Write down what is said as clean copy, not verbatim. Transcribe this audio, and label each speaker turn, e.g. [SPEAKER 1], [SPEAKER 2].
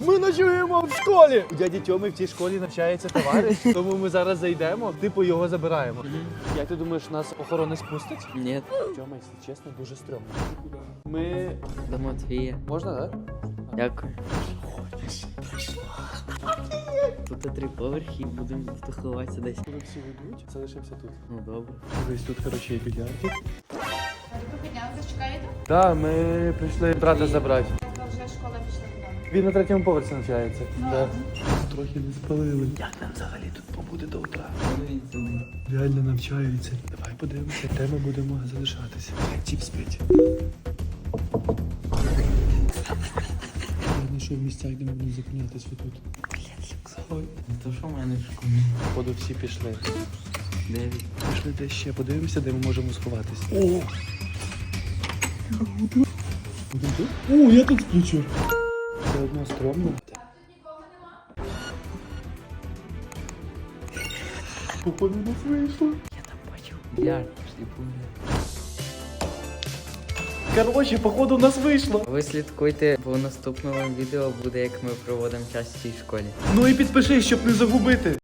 [SPEAKER 1] Ми ночуємо в школі! У дяді Тьоми в цій школі навчається товариш, тому ми зараз зайдемо, типу його забираємо. Як ти думаєш, нас охорона спустить?
[SPEAKER 2] Ні.
[SPEAKER 1] Тьома, якщо чесно, дуже стрьомно. Ми...
[SPEAKER 2] До Матвія.
[SPEAKER 1] Можна, так?
[SPEAKER 2] Дякую. Тут 3 поверхи і будемо ховатися десь.
[SPEAKER 1] Коли всі вийдуть, залишимося тут.
[SPEAKER 2] Ну добре.
[SPEAKER 1] Десь тут, коротше, є більярд.
[SPEAKER 3] Ви піднялися, чекаєте?
[SPEAKER 1] Так, ми прийшли брата забрати.
[SPEAKER 3] Вже школа пішла додому.
[SPEAKER 1] Він на 3-му поверсі навчається. Да. Трохи не спалили. Як нам взагалі тут побуде до утра? Реально навчаються. Давай подивимося, де ми будемо залишатися. Чіп спить. Я знайшов місця, де ми будемо зупинятися тут.
[SPEAKER 2] То що в мене в школі?
[SPEAKER 1] Походу всі пішли.
[SPEAKER 2] 9.
[SPEAKER 1] Пішли де ще, подивимося, де ми можемо сховатися. О! Будемо тут? О, я тут включу. Все одно стрьомно. Походу нас вийшло.
[SPEAKER 2] Я там бачив. Більярд, пішли погуляти.
[SPEAKER 1] Короче, походу у нас вийшло.
[SPEAKER 2] Ви слідкуйте, бо в наступному відео буде, як ми проводимо час в цій школі.
[SPEAKER 1] Ну і підпишись, щоб не загубити.